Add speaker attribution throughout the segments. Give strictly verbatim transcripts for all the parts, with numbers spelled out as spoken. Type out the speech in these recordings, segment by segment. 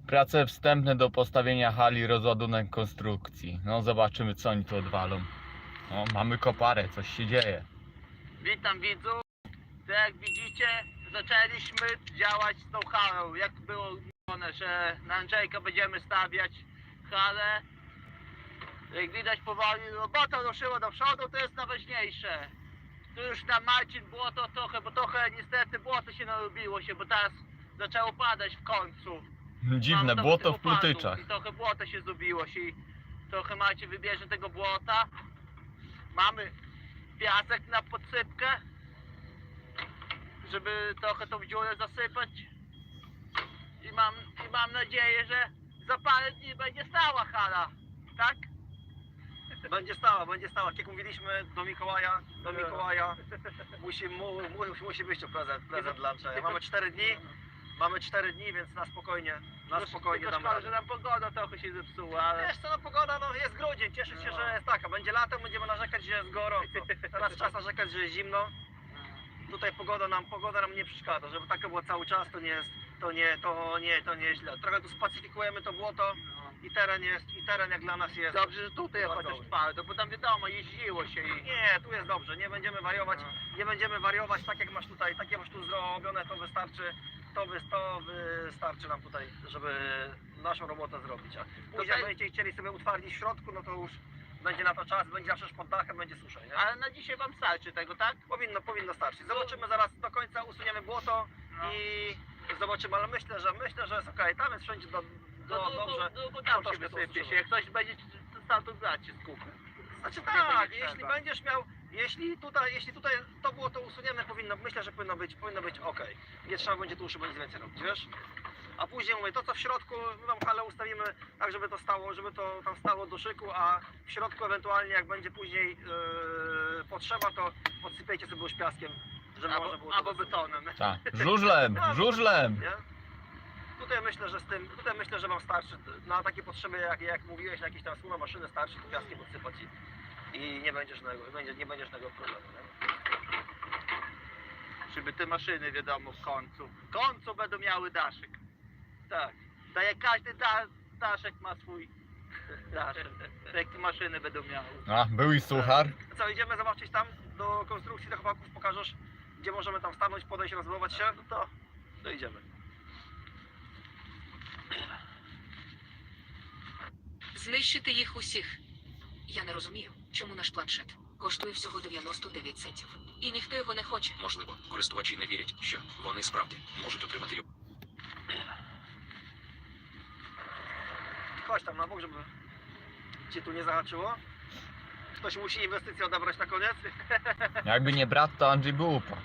Speaker 1: Prace wstępne do postawienia hali, rozładunek konstrukcji. No zobaczymy, co oni tu odwalą. No, mamy koparę, coś się dzieje.
Speaker 2: Witam widzów. To jak widzicie, zaczęliśmy działać z tą halą. Jak było mówione, że na Andrzejka będziemy stawiać halę. Jak widać powoli robota ruszyła do przodu, to jest najważniejsze. Tu już tam Marcin błoto trochę, bo trochę niestety błoto się narobiło się, bo teraz zaczęło padać w końcu.
Speaker 1: Dziwne,
Speaker 2: Mam trochę
Speaker 1: błoto
Speaker 2: tych
Speaker 1: w
Speaker 2: opadów
Speaker 1: Plutyczach.
Speaker 2: I trochę błota się zrobiło się i trochę Marcin wybierze tego błota. Mamy piasek na podsypkę, żeby trochę tą dziurę zasypać. I mam, i mam nadzieję, że za parę dni będzie stała hala, tak?
Speaker 3: Będzie stała, będzie stała. Jak mówiliśmy do Mikołaja, do Mikołaja musi, mu, mu, musi być to prezent, prezent dla Andrzeja. Mamy cztery dni, mamy cztery dni, więc na spokojnie, na spokojnie
Speaker 2: Tylko
Speaker 3: damy
Speaker 2: szkoda, że
Speaker 3: radę.
Speaker 2: nam pogoda trochę się zepsuła, ale...
Speaker 3: Wiesz co, no pogoda, no jest grudzień, cieszę się, że jest taka. Będzie latem, będziemy narzekać, że jest gorąco. Teraz czas narzekać, że jest zimno. Tutaj pogoda nam, pogoda nam nie przeszkadza, żeby taka była cały czas, to nie jest, to nie, to nie, to nie jest źle. Trochę tu spacyfikujemy to błoto i teren jest, i teren jak dla nas jest.
Speaker 2: Dobrze, że tutaj
Speaker 3: Bardzo
Speaker 2: chociaż
Speaker 3: dobry.
Speaker 2: twardo, bo tam wiadomo, jeździło się i...
Speaker 3: Nie, tu jest dobrze, nie będziemy wariować, nie będziemy wariować tak jak masz tutaj, tak jak masz tu zrobione, to wystarczy, to, wy, to wystarczy nam tutaj, żeby naszą robotę zrobić. A później jak
Speaker 2: Tutaj-
Speaker 3: będziecie chcieli sobie utwardzić w środku, no to już będzie na to czas, będzie zawsze już pod dachem, będzie suszej, nie?
Speaker 2: Ale na dzisiaj wam starczy tego, tak?
Speaker 3: Powinno, powinno starczyć. Zobaczymy zaraz do końca, usuniemy błoto
Speaker 2: No.
Speaker 3: i zobaczymy, ale myślę, że myślę, że jest okej, tam jest wszędzie do,
Speaker 2: No
Speaker 3: do,
Speaker 2: to,
Speaker 3: dobrze.
Speaker 2: to, to tam
Speaker 3: dobrze
Speaker 2: się
Speaker 3: to
Speaker 2: wysypie
Speaker 3: usłyszymy.
Speaker 2: się, jak ktoś będzie stał to grać się z kupy.
Speaker 3: Znaczy
Speaker 2: Nie
Speaker 3: tak,
Speaker 2: będzie
Speaker 3: jeśli
Speaker 2: trzeba.
Speaker 3: będziesz miał, jeśli tutaj, jeśli tutaj to było to usunięte, powinno, myślę, że powinno być, powinno być ok. Nie trzeba będzie tu już będzie więcej robić, wiesz? A później mówię, to co w środku, my tam halę ustawimy tak, żeby to stało, żeby to tam stało do szyku, a w środku ewentualnie jak będzie później yy, potrzeba, to podsypiecie sobie już piaskiem, żeby można było
Speaker 2: Albo,
Speaker 3: to
Speaker 2: albo betonem.
Speaker 1: Tak, żużlem, żużlem.
Speaker 3: nie? Tutaj myślę, że z tym, tutaj myślę, że wam starczy na takie potrzeby, jak, jak mówiłeś, na jakieś tam słowa maszyny starczy tu piaskiem podsypać i, i nie będziesz żadnego, będzie, nie będziesz żadnego problemu. Nie?
Speaker 2: Żeby te maszyny, wiadomo, w końcu. W końcu będą miały daszek.
Speaker 3: Tak.
Speaker 2: Tak jak każdy da, daszek ma swój daszek. Tak jak te maszyny będą miały.
Speaker 1: A, był i suchar.
Speaker 3: Co, idziemy zobaczyć tam do konstrukcji, do chłopaków, pokażesz, gdzie możemy tam stanąć, podejść, rozmować się, no to, to idziemy.
Speaker 4: Знищити їх усіх. Я не розумію, чому наш планшет коштує всього дев'яносто дев'ять центів. І ніхто його не хоче.
Speaker 5: Можливо, користувачі не вірять, що вони справді можуть отримати його.
Speaker 3: Chodź tam na bok, żeby cię tu nie zahaczyło. Ktoś musi inwestycję odebrać na koniec.
Speaker 1: Jakby nie brat, to Andrzej by upadł.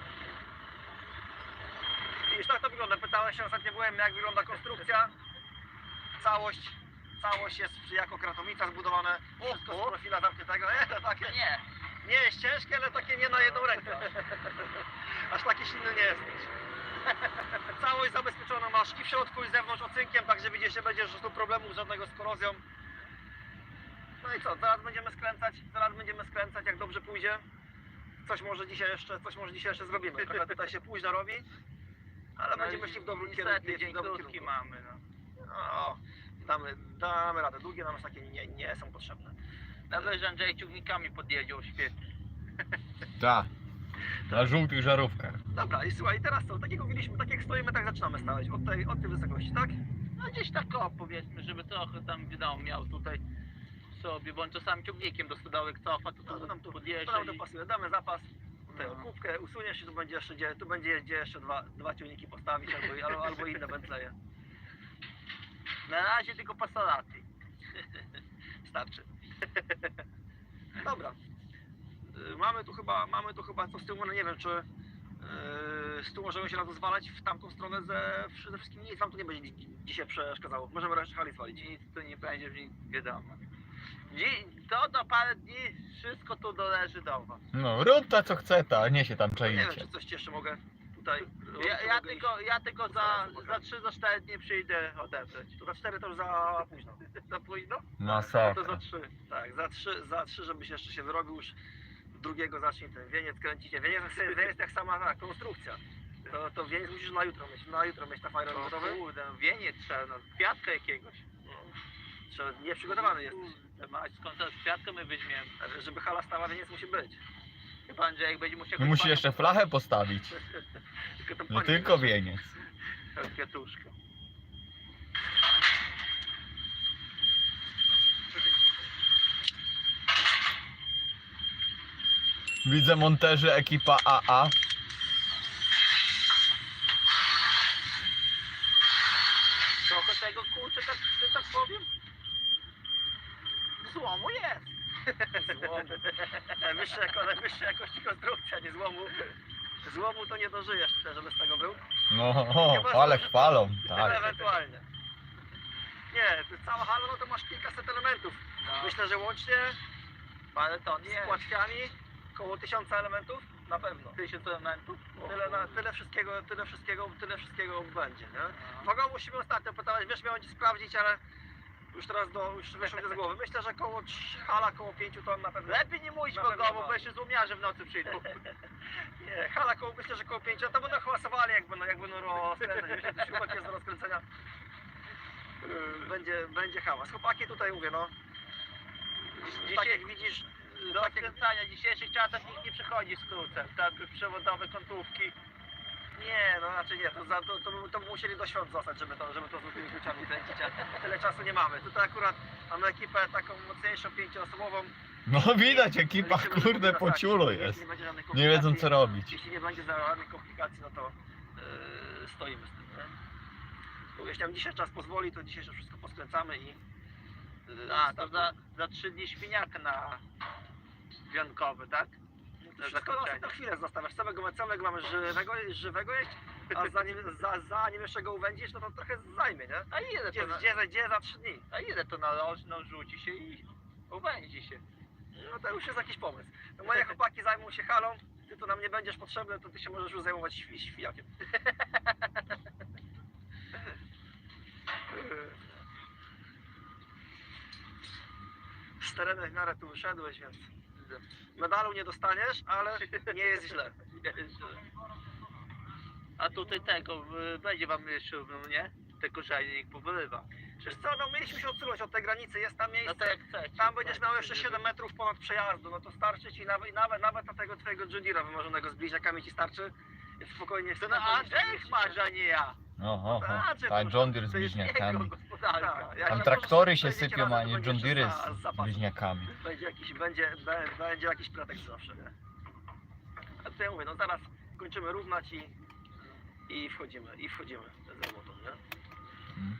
Speaker 3: I tak to wygląda. Pytałem się, ostatnio byłem, jak wygląda konstrukcja. Całość, całość jest jako kratowica zbudowane. Wszystko z profila zamkniętego. Nie, to takie,
Speaker 2: Nie.
Speaker 3: nie jest ciężkie, ale takie nie na jedną rękę. Aż taki silny nie jest. Całość zabezpieczona masz i w środku, i z zewnątrz ocynkiem, także widzisz, że będziesz tu problemów żadnego z korozją. No i co, zaraz będziemy skręcać, zaraz będziemy skręcać, jak dobrze pójdzie. Coś może dzisiaj jeszcze, coś może dzisiaj jeszcze zrobimy. Trochę tutaj się późno robi, ale będziemy szli w dobrym kierunku.
Speaker 2: Niestety, dzień
Speaker 3: w dobrym
Speaker 2: krótki
Speaker 3: kierunku.
Speaker 2: mamy. No.
Speaker 3: No, damy, damy radę. Długie nam już takie nie, nie są potrzebne.
Speaker 2: Nawet, że Andrzej ciągnikami podjedzie świetnie.
Speaker 1: Tak, na żółtych żarówkach.
Speaker 3: Dobra, i słuchaj, teraz co? Tak jak mówiliśmy, tak jak stoimy, tak zaczynamy stawać. Od tej, od tej wysokości, tak?
Speaker 2: No gdzieś tak o, powiedzmy, żeby trochę tam wiadomo miał tutaj sobie, bo on czasami ciągnikiem do stodołek cofa, to,
Speaker 3: No,
Speaker 2: to,
Speaker 3: to nam tu, to
Speaker 2: podjeżdża
Speaker 3: nam to
Speaker 2: i...
Speaker 3: pasuje. Damy zapas, tutaj
Speaker 2: No.
Speaker 3: okupkę, usuniesz i tu będzie jeszcze, gdzie, tu będzie gdzie jeszcze dwa, dwa ciągniki postawić albo, albo, albo inne Bentleje.
Speaker 2: Na razie tylko pasolaty.
Speaker 3: Starczy. Dobra. Y, Mamy tu chyba, mamy tu chyba co z tyłu, no nie wiem czy yy, z tyłu możemy się rozwalać w tamtą stronę ze, ze wszystkim. Nic wam tu nie będzie dzi- dzisiaj przeszkadzało. Możemy resztę hali zwalić.
Speaker 2: Nic tu nie będzie, wiadomo. Dzi- To do parę dni wszystko tu doleży do was.
Speaker 1: No, rób ta co chce ta, a nie się tam
Speaker 3: Nie wiem
Speaker 1: czaicie.
Speaker 3: czy coś ci jeszcze mogę tutaj robić,
Speaker 2: Ja,
Speaker 3: to
Speaker 2: ja
Speaker 3: mogę
Speaker 2: tylko, ja tylko za,
Speaker 3: Zaraz pokażę.
Speaker 2: za trzy, za cztery dni przyjdę odebrać.
Speaker 3: iść. To za cztery to już za późno.
Speaker 2: Za późno?
Speaker 3: To za
Speaker 1: Masakra.
Speaker 3: trzy. Tak, za trzy, za trzy, żebyś jeszcze się wyrobił już drugiego zacznie ten wieniec kręcicie. Wieniec, wieniec jak sama ta konstrukcja. To, to wieniec musisz na jutro mieć, na jutro mieć na fajrę
Speaker 2: No
Speaker 3: gotowy.
Speaker 2: kurde, wieniec trzeba, no, kwiatka jakiegoś.
Speaker 3: No. Trzeba, nie przygotowany jesteś.
Speaker 2: Kurde, mać, skąd teraz kwiatkę my weźmiemy?
Speaker 3: Ale żeby hala stała, wieniec musi być.
Speaker 2: Chyba Andrzejek będzie musiał...
Speaker 1: No musi jeszcze flachę postawić.
Speaker 3: Tylko tą
Speaker 1: Nie
Speaker 3: panią
Speaker 1: tylko
Speaker 3: wiesz.
Speaker 1: wieniec.
Speaker 2: Tą kwiatuszkę.
Speaker 1: Widzę monterzy ekipa A A.
Speaker 2: Trochę tego kurczę, tak, że tak powiem. Złomu jest.
Speaker 3: Złomu. Najwyższa, jako, najwyższa jakości konstrukcja, nie złomu. Złomu to nie dożyjesz tutaj, żeby z tego był.
Speaker 1: No, o, ale chwalą.
Speaker 3: Ale
Speaker 1: Tak.
Speaker 3: ewentualnie. Nie, to cała hala, no to masz kilkaset elementów.
Speaker 2: No,
Speaker 3: Myślę, że łącznie
Speaker 2: parę ton
Speaker 3: z
Speaker 2: jest.
Speaker 3: płatwiami około tysiąca elementów na pewno.
Speaker 2: Tysiąc elementów.
Speaker 3: Tyle, na, tyle wszystkiego, tyle wszystkiego, tyle wszystkiego będzie, nie? Wago musimy ostatnio pytałeś, wiesz, miałem ci sprawdzić, ale już teraz do, już wyszło mi z głowy. Myślę, że koło trz- hala koło pięciu ton na pewno.
Speaker 2: Lepiej nie mówić
Speaker 3: Na
Speaker 2: go,
Speaker 3: pewno
Speaker 2: bo
Speaker 3: ma.
Speaker 2: jeszcze złomiarze w nocy przyjdą.
Speaker 3: Nie, hala koło, myślę, że koło pięciu, to będą hałasowali, jak będą, jak będą rozkręcać, wiesz, jak śrubek jest do rozkręcenia. Yy, Będzie, będzie hałas. Chłopaki tutaj mówię, no. Tak jak widzisz,
Speaker 2: Do
Speaker 3: tak jak,
Speaker 2: skręcania w dzisiejszych czasach nikt nie przychodzi z krócem. Tak, przewodowe kątówki.
Speaker 3: nie, no raczej nie, to, za, to, to, by- to by musieli do świąt zostać, żeby to, żeby to z złotymi kluczami kręcić, a tyle czasu nie mamy. Tutaj akurat mamy ekipę taką mocniejszą, pięcioosobową.
Speaker 1: No widać, ekipa
Speaker 3: Liczymy, że
Speaker 1: kurde
Speaker 3: będzie
Speaker 1: po
Speaker 3: tak,
Speaker 1: ciulu
Speaker 3: jeśli
Speaker 1: jest.
Speaker 3: Nie, będzie żadnych
Speaker 1: Nie wiedzą
Speaker 3: komplikacji,
Speaker 1: co robić.
Speaker 3: Jeśli nie będzie żadnych komplikacji, no to yy, stoimy z tym, nie? Bo jeśli nam dzisiaj czas pozwoli, to dzisiaj wszystko poskręcamy i... Yy,
Speaker 2: A, to
Speaker 3: startu.
Speaker 2: za, za trzy dni świniaka na wiankowy, tak?
Speaker 3: To wszystko na, na chwilę zostawiasz. Całego, całego mamy żywego, żywego jeść, a zanim, za, zanim jeszcze go uwędzisz, no to trochę zajmie, nie?
Speaker 2: A ile
Speaker 3: Gdzie,
Speaker 2: to, na,
Speaker 3: gdzie, gdzie za trzy dni?
Speaker 2: a ile to nalożno rzuci się i uwędzi się.
Speaker 3: No to już jest jakiś pomysł. No moje chłopaki zajmą się halą, ty to nam nie będziesz potrzebny, to ty się możesz już zajmować świ, świjakiem. Z terenem w miarę tu wyszedłeś, więc medalu nie dostaniesz, ale nie jest źle.
Speaker 2: A tutaj tego, y, będzie wam jeszcze, no nie? Te korzenie niech powyrywa.
Speaker 3: Wiesz co, no mieliśmy się odsunąć od tej granicy, jest tam
Speaker 2: No
Speaker 3: miejsce,
Speaker 2: to jak chcecie.
Speaker 3: tam będziesz miał jeszcze siedem metrów ponad przejazdu, no to starczy ci nawet, nawet, nawet na tego twojego John Deere'a wymarzonego z bliźniakami ci starczy. Więc spokojnie
Speaker 2: To na Andrzej masz, a nie ja.
Speaker 1: Oho, oho.
Speaker 3: Znaczy,
Speaker 1: Tak,
Speaker 3: to-
Speaker 1: John Deere z
Speaker 2: To jest jego
Speaker 1: bliźniakami.
Speaker 2: gospodarka.
Speaker 3: Tak, jak
Speaker 1: Tam
Speaker 3: się
Speaker 1: traktory
Speaker 3: możesz-
Speaker 1: się
Speaker 3: będziecie
Speaker 1: sypią, a
Speaker 3: razem,
Speaker 1: nie
Speaker 3: to
Speaker 1: John
Speaker 3: będzie
Speaker 1: Deere
Speaker 3: jeszcze za-
Speaker 1: z
Speaker 3: zapas.
Speaker 1: bliźniakami.
Speaker 3: Będzie jakiś, będzie, be- będzie jakiś pretekst zawsze, nie? A to ja mówię, no zaraz kończymy równać i, i wchodzimy, i wchodzimy z robotą, nie?
Speaker 1: Mm.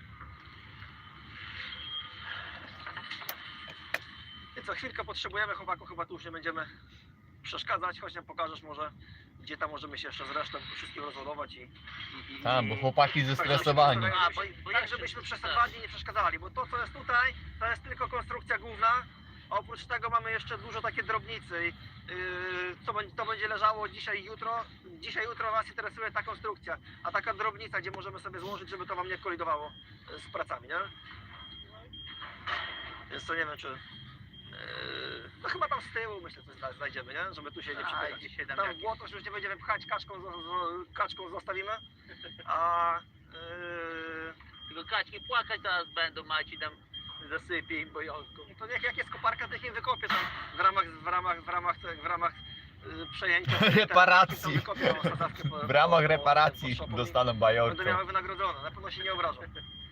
Speaker 3: I co chwilkę potrzebujemy, chłopaku, chyba tu już nie będziemy przeszkadzać, chodź nam pokażesz może, gdzie tam możemy się jeszcze z resztą wszystkim rozładować i... i, i
Speaker 1: Tak,
Speaker 3: i-
Speaker 1: bo chłopaki zestresowani.
Speaker 3: Tak,
Speaker 2: A,
Speaker 3: żebyśmy-
Speaker 2: bo- bo
Speaker 3: tak,
Speaker 2: ja się-
Speaker 3: żebyśmy przez te dwa dni nie przeszkadzali, bo to co jest tutaj, to jest tylko konstrukcja główna, a oprócz tego mamy jeszcze dużo takie drobnicy, i, yy, co będzie, to będzie leżało dzisiaj i jutro. Dzisiaj, jutro nas interesuje ta konstrukcja, a taka drobnica, gdzie możemy sobie złożyć, żeby to wam nie kolidowało yy, z pracami, nie? Więc to nie wiem, czy... Yy, no chyba tam z tyłu myślę coś zna- znajdziemy, nie? Żeby tu się nie
Speaker 2: A,
Speaker 3: przepychać.
Speaker 2: dzisiaj tam
Speaker 3: Tam
Speaker 2: jakiś-
Speaker 3: w błoto już nie będziemy pchać, kaczką, zo- zo- kaczką zostawimy, a... Yy,
Speaker 2: Tylko kaczki płakać zaraz będą, macie tam zasypie im bojonką.
Speaker 3: to niech jak jest koparka, to niech im wykopię tam w ramach, w ramach, w ramach, w ramach yy, przejęcia.
Speaker 1: Reparacji.
Speaker 3: Tam wykopię tą sadzawkę po-
Speaker 1: W ramach
Speaker 3: po- po-
Speaker 1: reparacji
Speaker 3: po szopu i
Speaker 1: dostaną
Speaker 3: Będą
Speaker 1: bajorką.
Speaker 3: miały wynagrodzone, na pewno się nie obrażą.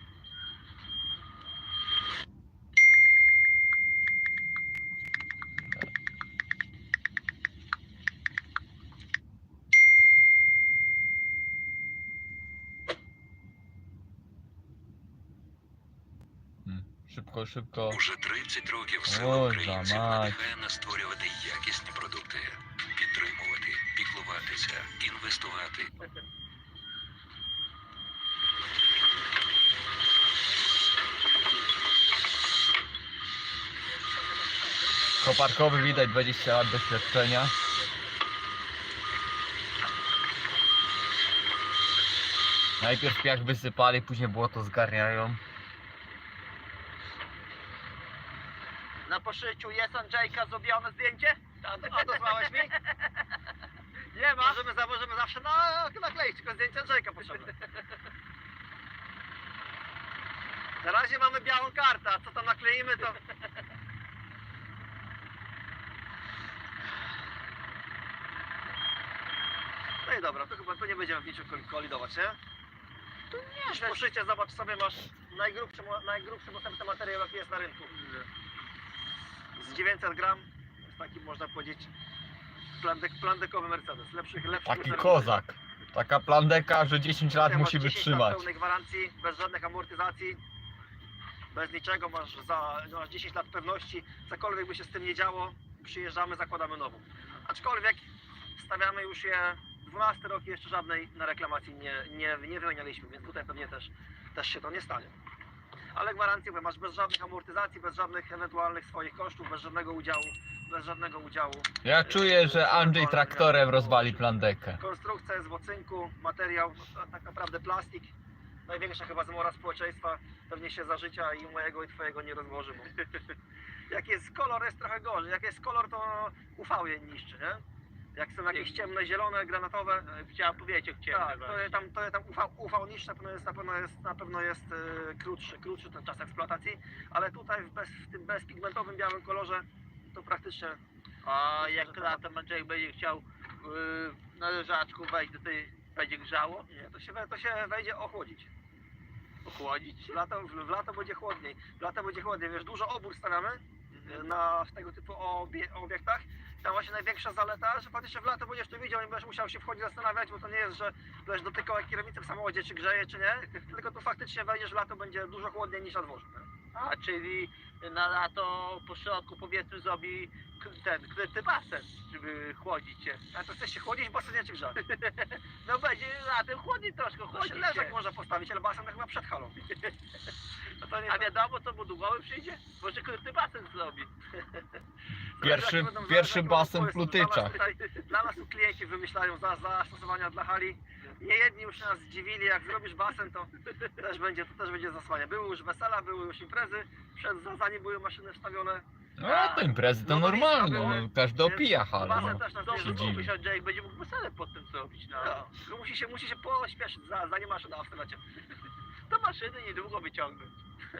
Speaker 1: Mm. Szybko, szybko.
Speaker 5: Уже тридцять років
Speaker 1: О,
Speaker 5: сила українців
Speaker 1: за мать.
Speaker 5: надихає нас створювати якісні продукти, підтримувати, піклуватися, інвестувати.
Speaker 1: Koparkowy widać dwadzieścia lat doświadczenia. Najpierw piach wysypali, później błoto zgarniają.
Speaker 2: Na poszyciu jest Andrzejka zrobione zdjęcie?
Speaker 3: A odesłałeś mi?
Speaker 2: Nie ma.
Speaker 3: Możemy, za- możemy zawsze na, nakleić, tylko zdjęcie Andrzejka potrzebne. Na razie mamy białą kartę, a co tam nakleimy to... No i dobra, to chyba tu nie będziemy w niczym kol- kolidować, nie?
Speaker 2: To nie,
Speaker 3: Już poszycie, zobacz sobie, masz najgrubszy, mo- najgrubszy dostępny materiał jaki jest na rynku. Z dziewięćset gram, jest taki można powiedzieć plandek, plandekowy Mercedes, lepszych, lepszych
Speaker 1: Taki
Speaker 3: Mercedesów.
Speaker 1: kozak. Taka plandeka, że dziesięć lat
Speaker 3: Tutaj masz
Speaker 1: musi
Speaker 3: dziesięć
Speaker 1: wytrzymać.
Speaker 3: lat pełnej gwarancji, bez żadnych amortyzacji, bez niczego, masz, za, masz dziesięć lat pewności, cokolwiek by się z tym nie działo, przyjeżdżamy, zakładamy nową. Aczkolwiek stawiamy już je dwunasty rok i jeszcze żadnej na reklamacji nie, nie, nie wymienialiśmy, więc tutaj pewnie też, też się to nie stanie. Ale gwarancję mówię, masz bez żadnych amortyzacji, bez żadnych ewentualnych swoich kosztów, bez żadnego udziału, bez żadnego udziału.
Speaker 1: Ja czuję, że Andrzej traktorem rozwali plandekę.
Speaker 3: Konstrukcja jest w ocynku, materiał, no, to tak naprawdę plastik. Największa chyba zmora społeczeństwa, pewnie się za życia i mojego i twojego nie rozłoży. Bo jak jest kolor, jest trochę gorzej. Jak jest kolor, to U V je niszczy, nie? Jak są jakieś ciemne, zielone, granatowe,
Speaker 2: Chciałem powiedzieć o ciemne.
Speaker 3: tak, to je tam, to je tam U V, U V niższe, na pewno jest, na pewno jest, na pewno jest e, krótszy, krótszy ten czas eksploatacji, ale tutaj w, bez, w tym bezpigmentowym białym kolorze to praktycznie
Speaker 2: A jak latem Andrzej będzie chciał yy, na leżaczku wejść do tej, będzie grzało?
Speaker 3: nie, to się, we- to się wejdzie ochłodzić.
Speaker 2: Ochłodzić?
Speaker 3: W lato, w, w lato będzie chłodniej. W lato będzie chłodniej, wiesz, dużo obór stawiamy
Speaker 2: Mhm.
Speaker 3: na w tego typu obie, obiektach. Tam właśnie największa zaleta, że faktycznie w lato będziesz to widział, nie będziesz musiał się wchodzić zastanawiać, bo to nie jest, że będziesz dotykał jak kierownicy w samochodzie, czy grzeje, czy nie. Tylko tu faktycznie wejdziesz w lato, będzie dużo chłodniej niż na dworzu. Nie?
Speaker 2: A czyli na lato po środku powiedzmy zrobi k- ten kryty basen, żeby chłodzić się.
Speaker 3: A to chcesz się chłodzić, basen nie czy grzać.
Speaker 2: No będzie latem chłodniej troszkę,
Speaker 3: To się
Speaker 2: chłodzi
Speaker 3: leżak
Speaker 2: się.
Speaker 3: można postawić, ale basen to chyba przed halą. No to nie,
Speaker 2: A wiadomo co mu długowy przyjdzie? Może kryty basen zrobi.
Speaker 1: Pierwszy,
Speaker 3: Zależy, jak będą-
Speaker 1: pierwszy
Speaker 3: zależy, jak
Speaker 1: basen w
Speaker 3: będą pomysły. Dla nas
Speaker 1: Plutyczach.
Speaker 3: tutaj- Dla nas tu klienci wymyślają za, zastosowania dla hali. Nie jedni już nas zdziwili, jak zrobisz basen, to też będzie, to też będzie zasłania. Były już wesela, były już imprezy, przed, za- zanim były maszyny wstawione.
Speaker 1: No to imprezy to
Speaker 3: No to
Speaker 1: normalne,
Speaker 3: było-
Speaker 1: no, każdy opija halę.
Speaker 3: Basen
Speaker 1: No.
Speaker 3: też nas
Speaker 2: Dobrze,
Speaker 1: się
Speaker 3: nie
Speaker 1: dziwi.
Speaker 2: myślę, że Andrzej będzie mógł wesele pod tym zrobić. No.
Speaker 3: no, no, musi się, musi się pośpieszyć, za- zanim maszyna wstawiacie.
Speaker 2: To maszyny niedługo wyciągnąć.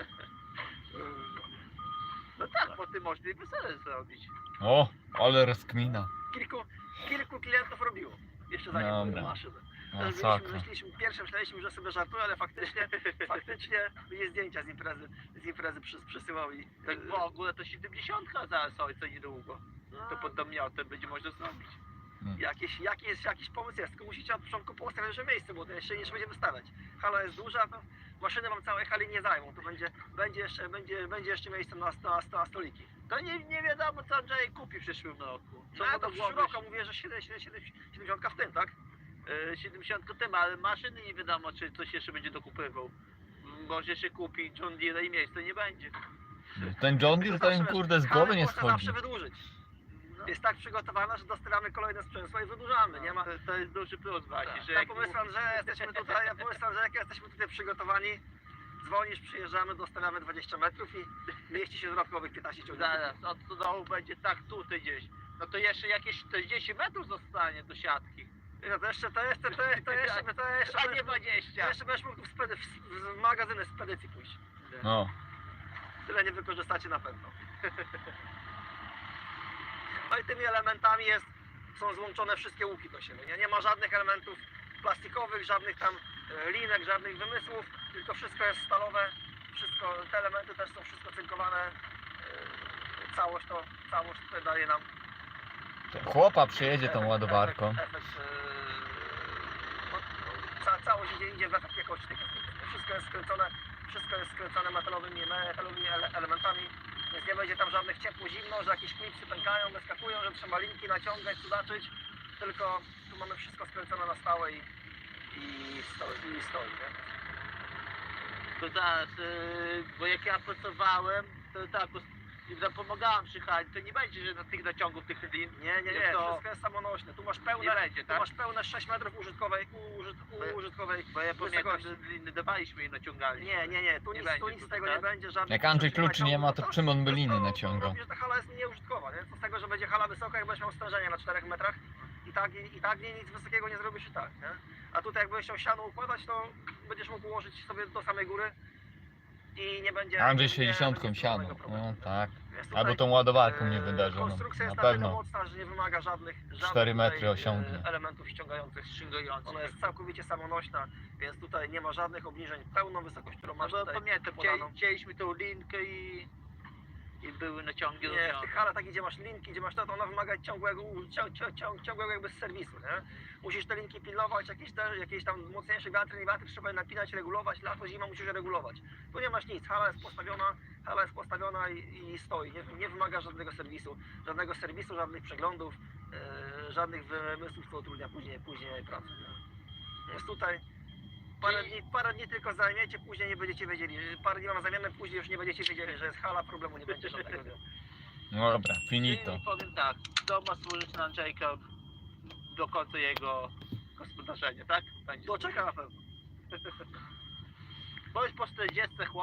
Speaker 2: No tak, po tym można i wesele zrobić.
Speaker 1: O, ale rozkmina.
Speaker 3: Kilku, kilku klientów robiło, jeszcze zanim były
Speaker 1: Dobra.
Speaker 3: maszyny.
Speaker 1: O,
Speaker 3: Też
Speaker 1: sakra.
Speaker 3: myśleliśmy, myśleliśmy, pierwsze myśleliśmy, że sobie żartuję, ale faktycznie, faktycznie jest zdjęcia z imprezy, z imprezy przys, przysyłał i...
Speaker 2: Tak w ogóle to siedemdziesiątka zaraz ojca niedługo.
Speaker 3: no,
Speaker 2: To pod domiotem będzie można zrobić.
Speaker 3: jakiś, jakiś, jakiś pomysł jest, tylko musicie od początku poustawiać że miejsce, bo to jeszcze jeszcze będziemy stawiać. Hala jest duża, to maszyny wam całej hali nie zajmą, to będzie, będzie, jeszcze, będzie, będzie jeszcze miejsce na, na, na stoliki.
Speaker 2: To nie, nie wiadomo co Andrzej kupi w przyszłym roku. Co
Speaker 3: No
Speaker 2: mu
Speaker 3: to
Speaker 2: do
Speaker 3: w
Speaker 2: głowy
Speaker 3: przyszłym roku mówię, że siedemdziesiąt w tym, tak?
Speaker 2: Yy, siedemdziesiąt tym, ale maszyny nie wiadomo czy coś jeszcze będzie dokupywał. Może się kupi John Deere i miejsca nie będzie.
Speaker 1: Ten John Deere to im kurde z głowy nie
Speaker 3: Można zawsze
Speaker 1: schodzi.
Speaker 3: wydłużyć.
Speaker 2: No,
Speaker 3: Jest tak przygotowana, że dostawiamy kolejne sprzęgło i wydłużamy, nie ma...
Speaker 2: to, to jest duży plus właśnie,
Speaker 3: Tak,
Speaker 2: że
Speaker 3: ja
Speaker 2: jak
Speaker 3: pomyślam, że jesteśmy tutaj, ja pomyślam, że jak jesteśmy tutaj przygotowani, dzwonisz, przyjeżdżamy, dostawiamy dwadzieścia metrów i mieści się dodatkowych piętnaście ciągników.
Speaker 2: zaraz od dołu będzie tak tutaj gdzieś. No to jeszcze jakieś czterdzieści metrów zostanie do siatki.
Speaker 3: No to jeszcze, to jeszcze, to jeszcze, to jeszcze, to jeszcze,
Speaker 2: A
Speaker 3: będziesz
Speaker 2: nie
Speaker 3: mógł-
Speaker 2: dwadzieścia.
Speaker 3: jeszcze będziesz mógł w, spedy, w, w magazyny spedycji pójść.
Speaker 1: No.
Speaker 3: Tyle nie wykorzystacie na pewno. No i tymi elementami jest, są złączone wszystkie łuki do siebie. Nie, nie ma żadnych elementów plastikowych, żadnych tam e, linek, żadnych wymysłów, tylko wszystko jest stalowe, wszystko, te elementy też są wszystko cynkowane. E, całość to, całość tutaj daje nam
Speaker 1: Chłopa przyjedzie tą
Speaker 3: efekt-
Speaker 1: ładowarką.
Speaker 3: Efekt, efekt, e, no, no, ca, całość idzie, idzie w efekt jakości tych efektów. Wszystko jest skręcone, wszystko jest skręcone metalowymi, metalowymi ele, elementami. Więc nie będzie tam żadnych ciepło-zimno, że jakieś klipsy pękają, wyskakują, że trzeba linki naciągać, cudaczyć. Tylko tu mamy wszystko skręcone na stałe i, i stoi, i stoi, nie?
Speaker 2: To zaraz, yy, bo jak ja pracowałem, to tak, i zapomagałem przy hali, to nie będzie, że na tych naciągów tych lin.
Speaker 3: Nie, nie, nie,
Speaker 2: Jak to-
Speaker 3: wszystko jest samonośne. Tu masz
Speaker 2: Nie
Speaker 3: pełne,
Speaker 2: będzie,
Speaker 3: tu
Speaker 2: tak?
Speaker 3: masz pełne sześć metrów użytkowej, użyt,
Speaker 2: Bo-
Speaker 3: użytkowej
Speaker 2: Bo ja pamiętam,
Speaker 3: wysokości.
Speaker 2: że liny dawaliśmy i naciągali.
Speaker 3: Nie, nie, nie, tu
Speaker 2: Nie
Speaker 3: nic,
Speaker 2: będzie
Speaker 3: tu nic z
Speaker 2: tutaj,
Speaker 3: tego
Speaker 2: tak?
Speaker 3: nie będzie, żadnych...
Speaker 1: Jak Andrzej
Speaker 3: przyczyn
Speaker 1: kluczy nie ma, to
Speaker 3: naciągów,
Speaker 1: czym on by liny
Speaker 3: to- to
Speaker 1: naciągał?
Speaker 3: robi, że ta hala jest nieużytkowa, nie? Co z tego, że będzie hala wysoka, jak będziesz miał stężenie na czterech metrach i tak, i, i tak nie, nic wysokiego nie zrobisz i tak, nie? A tutaj jak będziesz chciał siano układać, to będziesz mógł ułożyć sobie do samej góry i nie będzie...
Speaker 1: Andrzej
Speaker 3: nie-
Speaker 1: sześćdziesiątką
Speaker 3: nie będzie
Speaker 1: siano.
Speaker 3: żadnego problemu.
Speaker 1: No tak.
Speaker 3: Więc tutaj,
Speaker 1: Albo tą ładowarką
Speaker 3: e,
Speaker 1: nie wydarzy. No,
Speaker 3: Konstrukcja jest
Speaker 1: na
Speaker 3: na tyle
Speaker 1: pewno.
Speaker 3: mocna, że nie wymaga żadnych, żadnych
Speaker 1: cztery metry
Speaker 3: tutaj, e,
Speaker 1: osiągnie.
Speaker 3: elementów ściągających.
Speaker 2: Ściągający.
Speaker 3: Ona jest całkowicie samonośna, więc tutaj nie ma żadnych obniżeń. Pełną wysokość, którą
Speaker 2: No
Speaker 3: masz
Speaker 2: bo
Speaker 3: tutaj
Speaker 2: pamiętam,
Speaker 3: podaną.
Speaker 2: chcieli- chcieliśmy tą linkę i, i były naciągi
Speaker 3: Nie, w
Speaker 2: robione.
Speaker 3: tych halach takich, gdzie masz linki, gdzie masz to, to ona wymaga ciągłego, cią, cią, cią, ciągłego jakby z serwisu, nie? Musisz te linki pilnować, jakieś, te, jakieś tam mocniejsze wiatry, nie wiatry trzeba je napinać, regulować, lato, zima musisz je regulować. Tu nie masz nic, hala jest postawiona, hala jest postawiona i, i stoi, nie, nie wymaga żadnego serwisu, żadnego serwisu, żadnych przeglądów, e, żadnych wymysłów, co utrudnia później, później pracę. Nie? Więc tutaj parę dni, parę dni tylko zajmiecie, później nie będziecie wiedzieli, parę dni wam zajmiemy, później już nie będziecie wiedzieli, że jest hala, problemu nie będzie żadnego. Nie?
Speaker 1: No dobra, finito.
Speaker 2: I powiem tak, to ma służyć na Andrzejka do końca jego gospodarzenia, tak? Będzie
Speaker 3: To czeka na pewno.
Speaker 2: Bo już po czterdziestce chłop